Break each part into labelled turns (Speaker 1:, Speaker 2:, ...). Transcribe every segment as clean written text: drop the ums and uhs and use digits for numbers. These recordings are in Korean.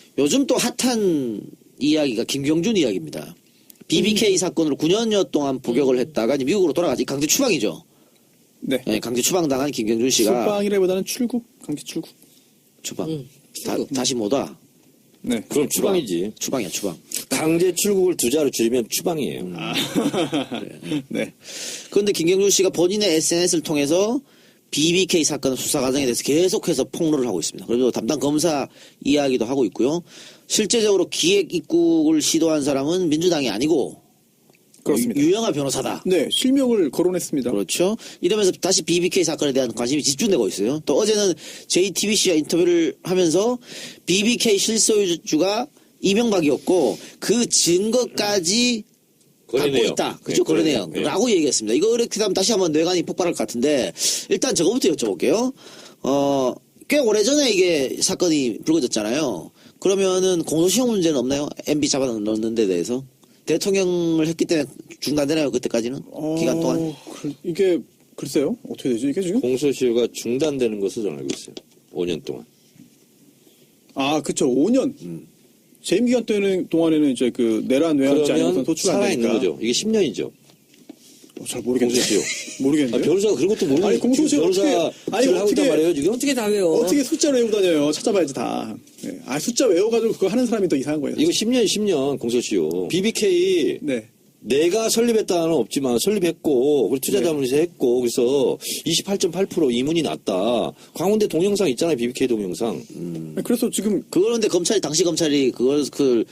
Speaker 1: 요즘 또 핫한 이야기가 김경준 이야기입니다. BBK 사건으로 9년여 동안 복역을 했다가 이제 미국으로 돌아가지. 강제 추방이죠.
Speaker 2: 네.
Speaker 1: 네, 강제 추방당한 김경준 씨가.
Speaker 2: 추방이라기보다는 출국, 강제 출국.
Speaker 1: 추방. 다시 못 와.
Speaker 2: 네.
Speaker 3: 그럼 추방이지.
Speaker 1: 추방이야, 추방.
Speaker 3: 강제 출국을 두 자로 줄이면 추방이에요.
Speaker 2: 네.
Speaker 1: 그런데 김경준 씨가 본인의 SNS를 통해서 BBK 사건 수사 과정에 대해서 계속해서 폭로를 하고 있습니다. 그리고 담당 검사 이야기도 하고 있고요. 실제적으로 기획 입국을 시도한 사람은 민주당이 아니고
Speaker 2: 그렇습니다.
Speaker 1: 유영하 변호사다.
Speaker 2: 네, 실명을 거론했습니다.
Speaker 1: 그렇죠. 이러면서 다시 BBK 사건에 대한 관심이 집중되고 있어요. 또 어제는 JTBC와 인터뷰를 하면서 BBK 실소유주가 이명박이었고 그 증거까지 갖고 있다. 그죠? 그런 내용. 라고 얘기했습니다. 이거 이렇게 하면 다시 한번 뇌관이 폭발할 것 같은데 일단 저거부터 여쭤볼게요. 꽤 오래전에 이게 사건이 불거졌잖아요. 그러면은 공소시효 문제는 없나요? MB 잡아넣는 데 대해서? 대통령을 했기 때문에 중단되나요? 그때까지는? 기간 동안?
Speaker 2: 이게 글쎄요. 어떻게 되죠? 이게 지금?
Speaker 3: 공소시효가 중단되는 것으로 저는 알고 있어요. 5년 동안.
Speaker 2: 아, 그쵸. 5년. 재임 기간 동안에는 이제 그 내란 외환죄 아니고선 소출 안
Speaker 3: 살아있는
Speaker 2: 되니까.
Speaker 3: 거죠. 이게 10년이죠.
Speaker 2: 잘 모르겠네요.
Speaker 3: 공소시효.
Speaker 2: 모르겠네요.
Speaker 3: 변호사가 그런 것도 모르는
Speaker 2: 아니, 공소시효
Speaker 3: 변호사
Speaker 2: 아니,
Speaker 3: 하고 있단 말이에요, 지금?
Speaker 4: 어떻게 다 외워?
Speaker 2: 어떻게 숫자로 외우고 다녀요? 찾아봐야지 다. 네. 아, 숫자 외워가지고 그거 하는 사람이 더 이상한 거예요.
Speaker 3: 이거 10년 공소시효. BBK
Speaker 2: 네.
Speaker 3: 내가 설립했다는 없지만 설립했고 그리고 투자자문에서 했고 그래서 28.8% 이문이 났다. 광운대 동영상 있잖아요. BBK 동영상.
Speaker 2: 그래서 지금
Speaker 1: 그런데 검찰이 당시 검찰이 그걸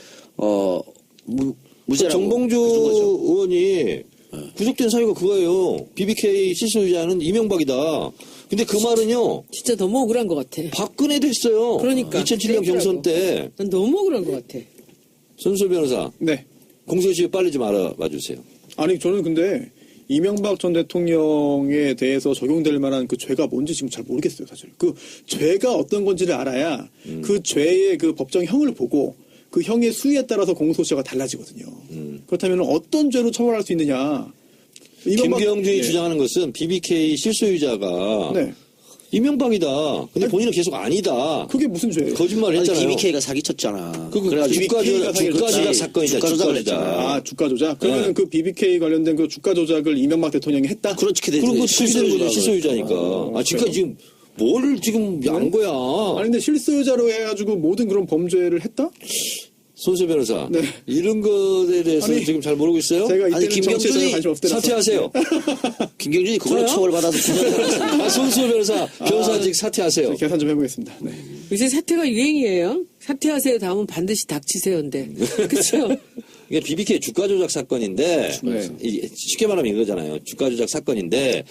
Speaker 1: 무죄라고
Speaker 3: 정봉주
Speaker 1: 해준 거죠.
Speaker 3: 의원이 구속된 사유가 그거예요. BBK 실소유자는 이명박이다. 근데 그 말은요.
Speaker 4: 진짜 너무 억울한 것 같아.
Speaker 3: 박근혜도 했어요.
Speaker 4: 그러니까.
Speaker 3: 2007년 경선 때.
Speaker 4: 난 너무 억울한 것 같아.
Speaker 3: 손수 변호사.
Speaker 2: 네.
Speaker 3: 공소시효 빨리 좀 알아봐 주세요.
Speaker 2: 아니 저는 근데 이명박 전 대통령에 대해서 적용될 만한 그 죄가 뭔지 지금 잘 모르겠어요, 사실. 그 죄가 어떤 건지를 알아야 그 죄의 그 법정형을 보고 그 형의 수위에 따라서 공소시효가 달라지거든요. 그렇다면 어떤 죄로 처벌할 수 있느냐.
Speaker 3: 김경준이
Speaker 2: 예.
Speaker 3: 주장하는 것은 BBK 실소유자가
Speaker 2: 네.
Speaker 3: 이명박이다. 근데 본인은 계속 아니다.
Speaker 2: 그게 무슨 죄예요?
Speaker 3: 거짓말을
Speaker 1: 아니,
Speaker 3: 했잖아요.
Speaker 1: BBK가 사기쳤잖아.
Speaker 3: 그래가지고
Speaker 2: BBK 가
Speaker 3: 주가 조작 사건이다.
Speaker 1: 주가 조작을
Speaker 3: 주가 조작.
Speaker 2: 아, 주가 조작? 그러면
Speaker 3: 네.
Speaker 2: 그 BBK 관련된 그 주가 조작을 이명박 대통령이 했다?
Speaker 1: 그렇게 되죠.
Speaker 3: 그리고 실소유자니까. 아, 지금까지 지금 뭘 지금 안 거야.
Speaker 2: 아니 근데 실소유자로 해가지고 모든 그런 범죄를 했다?
Speaker 3: 손수 변호사.
Speaker 2: 네.
Speaker 3: 이런 것에 대해서
Speaker 2: 아니,
Speaker 3: 지금 잘 모르고 있어요?
Speaker 2: 제가 이때는
Speaker 1: 김경준이
Speaker 2: 정치에 전혀 관심 없더라서.
Speaker 3: 사퇴하세요.
Speaker 1: 김경준이 그걸로 처벌받아서 구속받았어요.
Speaker 3: 아, 손수 변호사. 변호사직 사퇴하세요.
Speaker 2: 계산 좀 해보겠습니다. 네.
Speaker 4: 요새 사퇴가 유행이에요. 사퇴하세요. 다음은 반드시 닥치세요. 근데. 그렇죠?
Speaker 3: 이게 BBK 주가 조작 사건인데
Speaker 2: 네.
Speaker 3: 쉽게 말하면 이거잖아요. 주가 조작 사건인데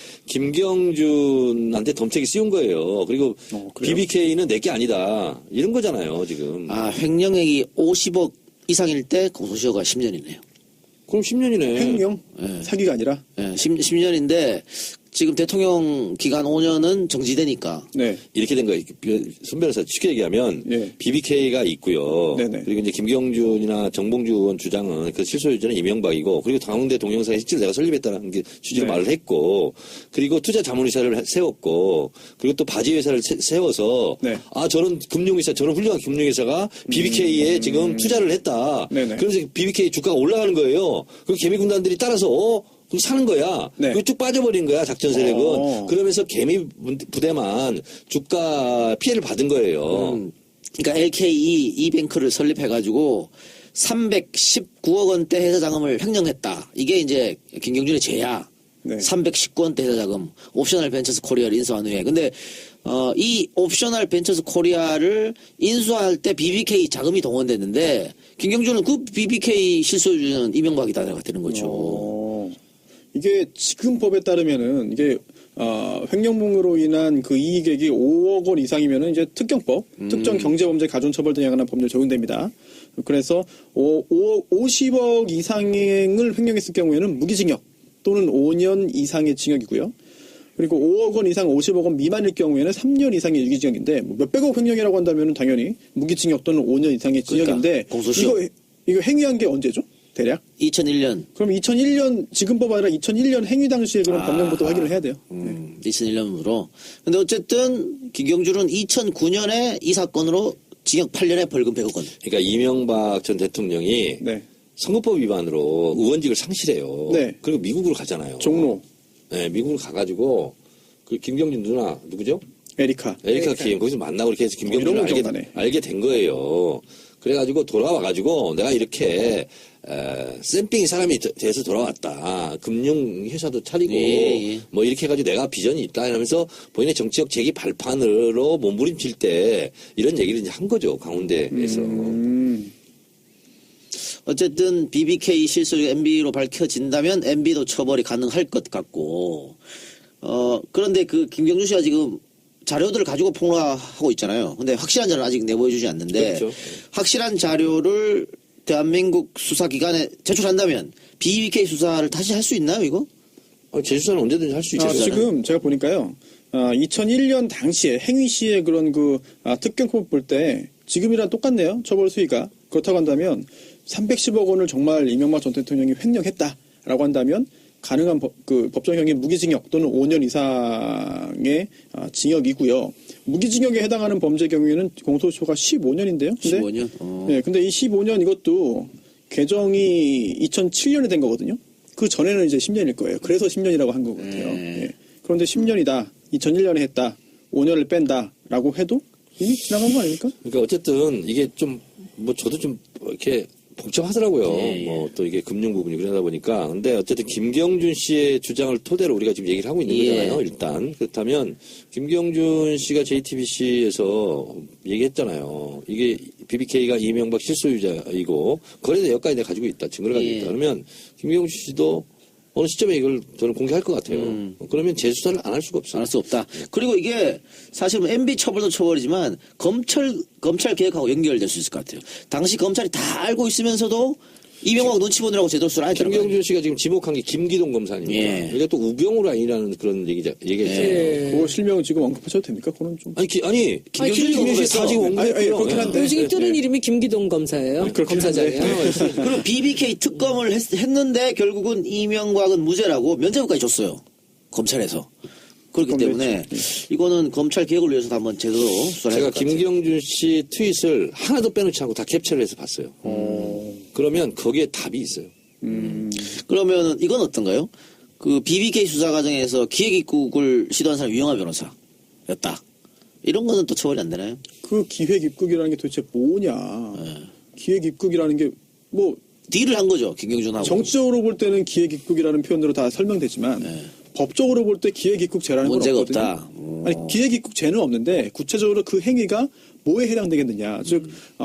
Speaker 3: 김경준한테 덤택이 씌운 거예요. 그리고
Speaker 2: 그래요?
Speaker 3: BBK는 내게 아니다. 이런 거잖아요, 지금.
Speaker 1: 아, 횡령액이 50억 이상일 때 공소시효가 10년이네요.
Speaker 3: 그럼 10년이네.
Speaker 2: 횡령?
Speaker 1: 네.
Speaker 2: 사기가 아니라?
Speaker 1: 예, 10년인데 지금 대통령 기간 5년은 정지되니까
Speaker 2: 네.
Speaker 3: 이렇게 된 거예요. 손 변호사 쉽게 얘기하면
Speaker 2: 예.
Speaker 3: BBK가 있고요.
Speaker 2: 네네.
Speaker 3: 그리고 이제 김경준이나 정봉주 의원 주장은 그 실소유자는 이명박이고 그리고 당대 동영상에 실제로 내가 설립했다는 게 취지로
Speaker 2: 네.
Speaker 3: 말을 했고 그리고 투자 자문회사를 세웠고 그리고 또 바지회사를 세워서
Speaker 2: 네.
Speaker 3: 아 저런 금융회사 저런 훌륭한 금융회사가 BBK에 지금 투자를 했다.
Speaker 2: 네네.
Speaker 3: 그래서 BBK 주가가 올라가는 거예요. 그리고 개미 군단들이 따라서 그럼 사는 거야.
Speaker 2: 네.
Speaker 3: 그리고 쭉 빠져버린 거야, 작전 세력은.
Speaker 2: 어.
Speaker 3: 그러면서 개미 부대만 주가 피해를 받은 거예요.
Speaker 1: 그러니까 LKE 이뱅크를 설립해가지고 319억 원대 회사 자금을 횡령했다. 이게 이제 김경준의 죄야.
Speaker 2: 네.
Speaker 1: 319억 원대 회사 자금. 옵셔널 벤처스 코리아를 인수한 후에. 근데 이 옵셔널 벤처스 코리아를 인수할 때 BBK 자금이 동원됐는데 김경준은 그 BBK 실소유주는 이명박이다가 되는 거죠.
Speaker 2: 이게 지금 법에 따르면은 이게 횡령범으로 인한 그 이익액이 5억 원 이상이면은 이제 특경법, 특정 경제범죄 가중처벌 등에 관한 법률 적용됩니다. 그래서 50억 이상을 횡령했을 경우에는 무기징역 또는 5년 이상의 징역이고요. 그리고 5억 원 이상 50억 원 미만일 경우에는 3년 이상의 유기징역인데 뭐 몇백억 횡령이라고 한다면은 당연히 무기징역 또는 5년 이상의 징역인데
Speaker 1: 그러니까 공소시효.
Speaker 2: 이거 행위한 게 언제죠? 대략?
Speaker 1: 2001년.
Speaker 2: 그럼 2001년 지금법 아니라 2001년 행위 당시에 그런 법령부터 확인을 해야 돼요.
Speaker 1: 2001년으로. 근데 어쨌든 김경준은 2009년에 이 사건으로 징역 8년에 벌금 100억 원.
Speaker 3: 그러니까 이명박 전 대통령이
Speaker 2: 네.
Speaker 3: 선거법 위반으로 의원직을 상실해요.
Speaker 2: 네.
Speaker 3: 그리고 미국으로 가잖아요.
Speaker 2: 종로
Speaker 3: 네, 미국으로 가가지고 그 김경준 누나 누구죠?
Speaker 2: 에리카.
Speaker 3: 에리카 킴 거기서 만나고 이렇게 해서 김경준을
Speaker 2: 이런 거 기억나네.
Speaker 3: 알게 된 거예요. 그래가지고 돌아와가지고 내가 이렇게 쌤빙이 사람이 돼서 돌아왔다. 금융회사도 차리고
Speaker 1: 예.
Speaker 3: 뭐 이렇게 해가지고 내가 비전이 있다 이러면서 본인의 정치적 재기 발판으로 몸부림칠 때 이런 얘기를 이제 한 거죠. 강원대에서.
Speaker 1: 어쨌든 BBK 실소유가 MB로 밝혀진다면 MB도 처벌이 가능할 것 같고, 그런데 그 김경준 씨가 지금 자료들을 가지고 폭로하고 있잖아요. 근데 확실한 자료는 아직 내보여주지 않는데,
Speaker 3: 그렇죠.
Speaker 1: 확실한 자료를 대한민국 수사기관에 제출한다면 BBK 수사를 다시 할 수 있나요, 이거?
Speaker 3: 재수사는 언제든지 할 수 있죠.
Speaker 2: 지금 제가 보니까요. 2001년 당시에 행위 시의 그런 특경법 볼 때 지금이랑 똑같네요. 처벌 수위가. 그렇다고 한다면 310억 원을 정말 이명박 전 대통령이 횡령했다라고 한다면 가능한 법정형이 무기징역 또는 5년 이상의 징역이고요. 무기징역에 해당하는 범죄 경우에는 공소시효가 15년인데요. 근데
Speaker 1: 15년?
Speaker 2: 네, 근데 이 15년 이것도 개정이 2007년에 된 거거든요. 그 전에는 이제 10년일 거예요. 그래서 10년이라고 한 것 같아요. 예. 그런데 10년이다. 2001년에 했다. 5년을 뺀다라고 해도 이미 지나간 거 아닙니까?
Speaker 3: 그러니까 어쨌든 이게 좀 뭐 저도 좀 이렇게 복잡하더라고요.
Speaker 1: 예, 예.
Speaker 3: 뭐 또 이게 금융 부분이 그러다 보니까. 근데 어쨌든 김경준 씨의 주장을 토대로 우리가 지금 얘기를 하고 있는
Speaker 1: 예.
Speaker 3: 거잖아요. 일단 그렇다면 김경준 씨가 JTBC에서 얘기했잖아요. 이게 BBK가 이명박 실소유자이고 거래 내역까지 내가 가지고 있다. 증거를 가지고
Speaker 1: 예.
Speaker 3: 있다. 그러면 김경준 씨도 어느 시점에 이걸 저는 공개할 것 같아요. 그러면 재수사를 안 할 수가 없어요.
Speaker 1: 안 할 수 없다. 그리고 이게 사실 MB 처벌도 처벌이지만 검찰 개혁하고 연결될 수 있을 것 같아요. 당시 검찰이 다 알고 있으면서도 이명박 눈치 보느라고 제대로 수사를 안 했다는 거예요.
Speaker 3: 김경준 씨가 지금 지목한 게 김기동 검사입니다.
Speaker 1: 예.
Speaker 3: 이게 또 우병우 라인이라는 그런 얘기했잖아요.
Speaker 2: 그 실명 지금 언급하셔도 됩니까? 그거는 좀.
Speaker 3: 아니
Speaker 1: 김경준
Speaker 3: 김경준 씨 다 지금
Speaker 2: 아니,
Speaker 3: 언급했고요.
Speaker 2: 그렇긴 한데.
Speaker 4: 요즘 뜨는
Speaker 2: 예.
Speaker 4: 이름이 김기동 검사예요.
Speaker 2: 그렇긴
Speaker 4: 검사장이에요.
Speaker 2: 한데.
Speaker 1: 그럼 BBK 특검을 했는데 결국은 이명박은 무죄라고 면죄부까지 줬어요. 검찰에서. 그렇기 때문에 이거는 검찰 개혁을 위해서 한번 제대로 수사를
Speaker 3: 제가
Speaker 1: 해야 될 것 같아요.
Speaker 3: 김경준 씨 트윗을 하나도 빼놓지 않고 다 캡처를 해서 봤어요. 그러면 거기에 답이 있어요.
Speaker 1: 그러면 이건 어떤가요? 그 BBK 수사 과정에서 기획 입국을 시도한 사람이 유영하 변호사였다. 이런 거는 또 처벌이 안 되나요?
Speaker 2: 그 기획 입국이라는 게 도대체 뭐냐. 기획 입국이라는 게 뭐
Speaker 1: 딜을 한 거죠, 김경준하고.
Speaker 2: 정치적으로 볼 때는 기획 입국이라는 표현으로 다 설명되지만 법적으로 볼 때 기획 입국죄라는 건
Speaker 1: 문제가
Speaker 2: 없거든요.
Speaker 1: 없다.
Speaker 2: 아니 기획 입국죄는 없는데 구체적으로 그 행위가 뭐에 해당되겠느냐. 즉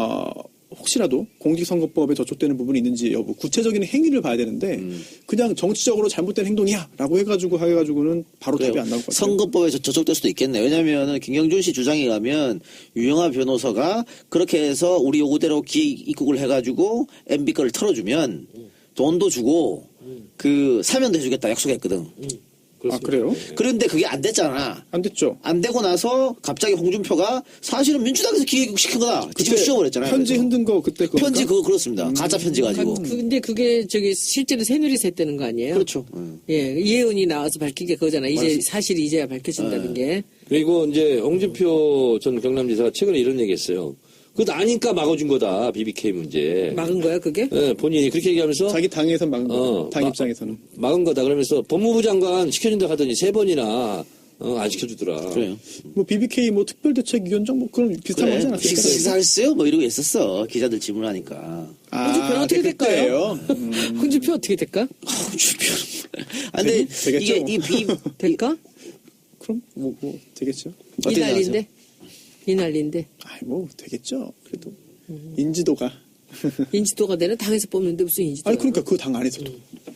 Speaker 2: 혹시라도 공직선거법에 저촉되는 부분이 있는지 여부 구체적인 행위를 봐야 되는데 그냥 정치적으로 잘못된 행동이야라고 해가지고는 바로 답이 안 나올 것 같아요.
Speaker 1: 선거법에 저촉될 수도 있겠네요. 왜냐하면 김경준 씨 주장에 가면 유영하 변호사가 그렇게 해서 우리 요구대로 기획 입국을 해가지고 MB 거를 털어주면 돈도 주고 그 사면도 해주겠다 약속했거든.
Speaker 2: 아 그래요?
Speaker 1: 그런데 그게 안 됐잖아.
Speaker 2: 안 됐죠.
Speaker 1: 안 되고 나서 갑자기 홍준표가 사실은 민주당에서 기획 시킨 거다. 뒤집어 씌워버렸잖아요.
Speaker 2: 편지
Speaker 1: 그래서.
Speaker 2: 흔든 거 그때 그거
Speaker 1: 편지 그거 그렇습니다. 가짜 편지 가지고.
Speaker 4: 근데 그게 실제로 새누리에서 했다는 거 아니에요?
Speaker 1: 그렇죠.
Speaker 4: 예, 이혜은이 나와서 밝힌 게 그거잖아. 이제 사실이 이제야 밝혀진다는 게.
Speaker 3: 그리고 이제 홍준표 전 경남지사가 최근에 이런 얘기했어요. 그거 아니까 막아준 거다 BBK 문제.
Speaker 4: 막은 거야 그게?
Speaker 3: 네, 본인이 그렇게 얘기하면서
Speaker 2: 자기 당에서 막은 거. 당
Speaker 3: 마-
Speaker 2: 입장에서는.
Speaker 3: 막은 거다 그러면서 법무부 장관 시켜준다 하더니 3번이나 안 시켜주더라.
Speaker 1: 그래요.
Speaker 2: 뭐 BBK 뭐 특별대책위원장 뭐 그런 비슷한 거 하지 않았습니까?
Speaker 1: 식사했어요? 뭐 이러고 있었어. 기자들 질문하니까.
Speaker 4: 홍준표는 어떻게 될까요?
Speaker 2: 그때예요.
Speaker 4: 홍준표 어떻게 될까?
Speaker 1: 홍준표. 아, 근데
Speaker 2: 되겠죠,
Speaker 1: 이게
Speaker 4: 될까?
Speaker 2: 그럼 뭐 되겠죠.
Speaker 4: 이
Speaker 1: 어떻게
Speaker 4: 난리인데. 이 난리인데.
Speaker 2: 아이 뭐 되겠죠. 그래도 인지도가.
Speaker 4: 인지도가 되는 당에서 뽑는데 무슨 인지도?
Speaker 2: 아니 그러니까 그 당 안에서도.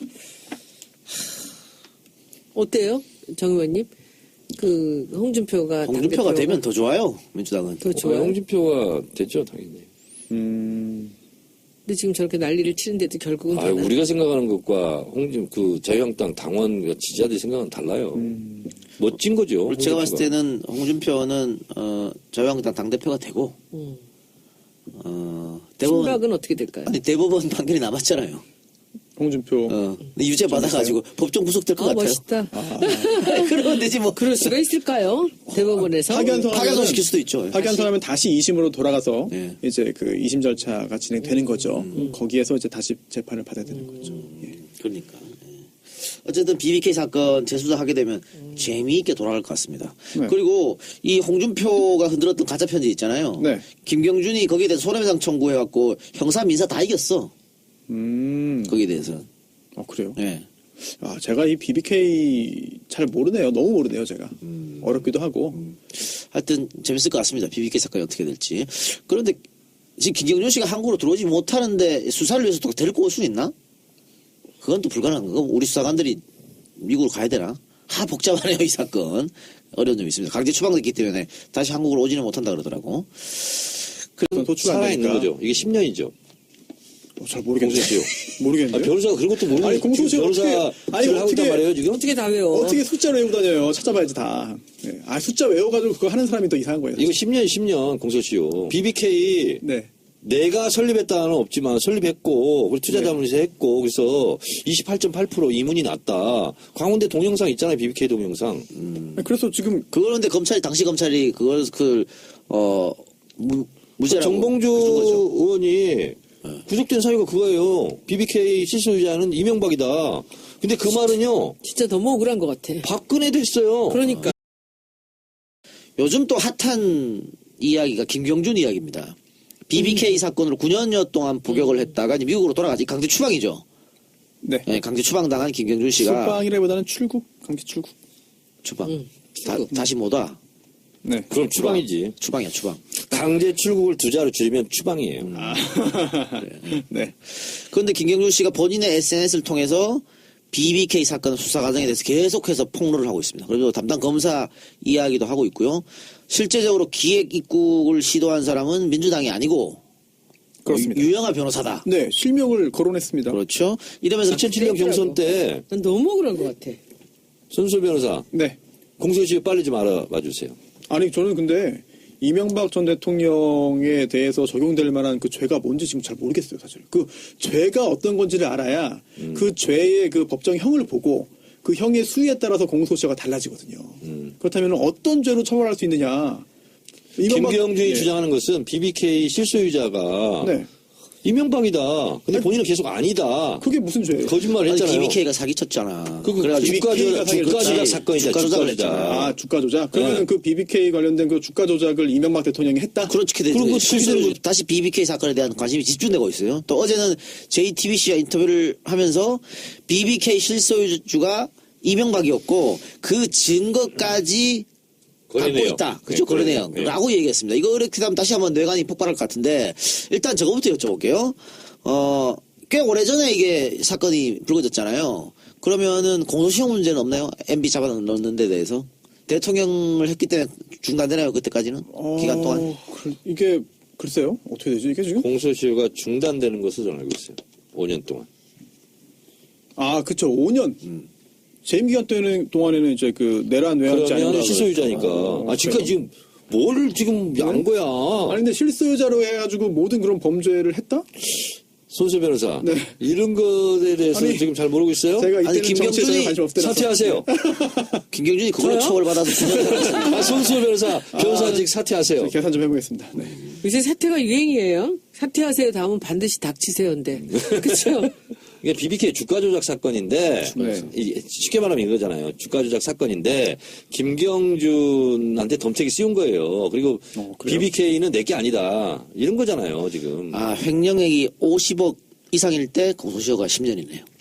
Speaker 4: 어때요, 정 의원님? 그 홍준표가
Speaker 1: 홍준표가
Speaker 4: 당대표로-
Speaker 1: 되면 더 좋아요. 민주당은.
Speaker 4: 더 좋아요.
Speaker 3: 홍준표가 됐죠 당연히.
Speaker 4: 근데 지금 저렇게 난리를 치는데도 결국은 되나?
Speaker 3: 우리가 생각하는 것과 그 자유한국당 당원 지지자들이 생각은 달라요. 멋진 거죠.
Speaker 1: 제가 봤을
Speaker 3: 홍준표가.
Speaker 1: 때는 홍준표는 자유한국당 당대표가 되고 대법원
Speaker 4: 신박은 어떻게 될까요?
Speaker 1: 아니 대법원 판결이 남았잖아요.
Speaker 2: 홍준표.
Speaker 1: 근데 유죄 받아가지고 법정 구속될 것
Speaker 4: 아,
Speaker 1: 같아요.
Speaker 4: 멋있다.
Speaker 1: 그러면 되지 뭐.
Speaker 4: 그럴 수가 있을까요? 대법원에서.
Speaker 1: 파견소 시킬 수도 있죠.
Speaker 2: 파견선하면 다시 2심으로 돌아가서
Speaker 1: 예.
Speaker 2: 이제 그 2심 절차가 진행되는 거죠. 거기에서 이제 다시 재판을 받아야 되는 거죠. 예.
Speaker 1: 그러니까. 예. 어쨌든 BBK 사건 재수사하게 되면 재미있게 돌아갈 것 같습니다.
Speaker 2: 네.
Speaker 1: 그리고 이 홍준표가 흔들었던 가짜 편지 있잖아요.
Speaker 2: 네.
Speaker 1: 김경준이 거기에 대해서 손해배상 청구해갖고 형사 민사 다 이겼어. 거기에 대해서.
Speaker 2: 그래요?
Speaker 1: 예.
Speaker 2: 아, 제가 이 BBK 잘 모르네요. 너무 모르네요, 제가. 어렵기도 하고.
Speaker 1: 하여튼 재밌을 것 같습니다. BBK 사건이 어떻게 될지. 그런데 지금 김경준 씨가 한국으로 들어오지 못하는데 수사를 위해서 또 데리고 올 수 있나? 그건 또 불가능한 거고 우리 수사관들이 미국으로 가야 되나? 복잡하네요, 이 사건. 어려운 점이 있습니다. 강제 추방됐기 때문에 다시 한국으로 오지는 못한다 그러더라고.
Speaker 2: 도출이 안
Speaker 3: 살아있는
Speaker 2: 되니까.
Speaker 3: 거죠. 이게 10년이죠.
Speaker 2: 잘 모르겠네요.
Speaker 3: 공소시효.
Speaker 2: 모르겠네요.
Speaker 3: 변호사가 그런 것도 모르고
Speaker 2: 아니, 공소시효
Speaker 3: 변호사
Speaker 2: 어떻게- 아니,
Speaker 3: 일을 하고 있단
Speaker 2: 어떻게-
Speaker 3: 말이에요, 지금?
Speaker 4: 어떻게 다 외워?
Speaker 2: 어떻게 숫자로 외우고 다녀요? 찾아봐야지 다. 네. 숫자 외워가지고 그거 하는 사람이 더 이상한 거예요.
Speaker 3: 이거 10년 공소시효. BBK
Speaker 2: 네.
Speaker 3: 내가 설립했다는 없지만 설립했고 우리 투자자문에서 했고 그래서 28.8% 이문이 났다. 광운대 동영상 있잖아요. BBK 동영상.
Speaker 2: 그래서 지금
Speaker 1: 그거는데 당시 검찰이 그걸 무죄라고
Speaker 3: 정봉주
Speaker 1: 해준 거죠.
Speaker 3: 의원이 구속된 사유가 그거예요. BBK 실소유자는 이명박이다. 근데 그 말은요.
Speaker 4: 진짜 너무 억울한 것 같아.
Speaker 3: 박근혜 됐어요.
Speaker 4: 그러니까.
Speaker 1: 요즘 또 핫한 이야기가 김경준 이야기입니다. BBK 사건으로 9년여 동안 복역을 했다가 이제 미국으로 돌아가지. 강제 추방이죠.
Speaker 2: 네.
Speaker 1: 네, 강제 추방당한 김경준 씨가
Speaker 2: 출방이라기보다는 출국, 강제 출국.
Speaker 1: 추방. 다시 못 와.
Speaker 2: 네.
Speaker 3: 그럼 추방이지.
Speaker 1: 추방이야, 추방.
Speaker 3: 강제 출국을 두 자로 줄이면 추방이에요.
Speaker 2: 네.
Speaker 1: 그런데 김경준 씨가 본인의 SNS를 통해서 BBK 사건 수사 과정에 대해서 계속해서 폭로를 하고 있습니다. 그리고 담당 검사 이야기도 하고 있고요. 실제적으로 기획 입국을 시도한 사람은 민주당이 아니고
Speaker 2: 그렇습니다.
Speaker 1: 유영하 변호사다.
Speaker 2: 네, 실명을 거론했습니다.
Speaker 1: 그렇죠. 이러면서
Speaker 3: 2007년 경선 때
Speaker 4: 난 너무 억울한 것 같아.
Speaker 3: 손수 변호사
Speaker 2: 네.
Speaker 3: 공소시효 빨리 좀 알아봐 주세요.
Speaker 2: 아니, 저는 근데 이명박 전 대통령에 대해서 적용될 만한 그 죄가 뭔지 지금 잘 모르겠어요, 사실. 그 죄가 어떤 건지를 알아야 그 죄의 그 법정형을 보고 그 형의 수위에 따라서 공소시효가 달라지거든요. 그렇다면 어떤 죄로 처벌할 수 있느냐.
Speaker 3: 김경준이
Speaker 2: 예.
Speaker 3: 주장하는 것은 BBK 실소유자가
Speaker 2: 네.
Speaker 3: 이명박이다. 근데 본인은 계속 아니다.
Speaker 2: 그게 무슨 죄예요?
Speaker 3: 거짓말을
Speaker 1: 아니,
Speaker 3: 했잖아요.
Speaker 1: BBK가 사기쳤잖아.
Speaker 3: 그
Speaker 1: 그래가지고
Speaker 2: BBK 가
Speaker 3: 주가 조작
Speaker 1: 그렇지.
Speaker 3: 사건이다.
Speaker 1: 주가 조작을
Speaker 3: 주가 조작.
Speaker 1: 했잖아.
Speaker 2: 주가 조작? 그러면
Speaker 3: 네.
Speaker 2: 그 BBK 관련된 그 주가 조작을 이명박 대통령이 했다?
Speaker 1: 그렇게 되죠.
Speaker 3: 그리고
Speaker 1: 실제로 다시 BBK 사건에 대한 관심이 집중되고 있어요. 또 어제는 JTBC와 인터뷰를 하면서 BBK 실소유주가 이명박이었고 그 증거까지 갖고
Speaker 3: 거래내역.
Speaker 1: 있다. 그죠?
Speaker 3: 네,
Speaker 1: 거래내역.
Speaker 3: 네.
Speaker 1: 라고 얘기했습니다. 이거 이렇게 하면 다시 한번 뇌관이 폭발할 것 같은데 일단 저거부터 여쭤볼게요. 꽤 오래전에 이게 사건이 불거졌잖아요. 그러면은 공소시효 문제는 없나요? MB 잡아넣는 데 대해서? 대통령을 했기 때문에 중단되나요? 그때까지는? 기간 동안?
Speaker 2: 이게 글쎄요. 어떻게 되지? 이게 지금?
Speaker 3: 공소시효가 중단되는 것으로 저는 알고 있어요. 5년 동안.
Speaker 2: 아, 그쵸. 5년. 재임 기간 동안에는 이제 그 내란 외환죄
Speaker 3: 그러면
Speaker 2: 아닌가.
Speaker 3: 실소유자니까. 지금까지 지금 뭘 지금 한 거야.
Speaker 2: 아니 근데 실소유자로 해가지고 모든 그런 범죄를 했다?
Speaker 3: 손수 변호사.
Speaker 2: 네.
Speaker 3: 이런 것에 대해서
Speaker 2: 아니,
Speaker 3: 지금 잘 모르고 있어요?
Speaker 2: 제가
Speaker 1: 아니,
Speaker 2: 이때는 정치에 전혀 관심 없더라서.
Speaker 3: 사퇴하세요.
Speaker 1: 김경준이 그걸로
Speaker 4: 저요?
Speaker 1: 처벌받아서 9년 살았습니다.
Speaker 3: 손수 변호사. 변호사직 사퇴하세요.
Speaker 2: 계산 좀 해보겠습니다. 네.
Speaker 4: 요새 사퇴가 유행이에요. 사퇴하세요. 다음은 반드시 닥치세요인데. 그렇죠?
Speaker 3: 이게 BBK 주가 조작 사건인데
Speaker 2: 네.
Speaker 3: 쉽게 말하면 이거잖아요. 주가 조작 사건인데 김경준한테 덤책이 씌운 거예요. 그리고
Speaker 2: 그래요?
Speaker 3: BBK는 내게 아니다. 이런 거잖아요, 지금.
Speaker 1: 횡령액이 50억 이상일 때 공소시효가 10년이네요.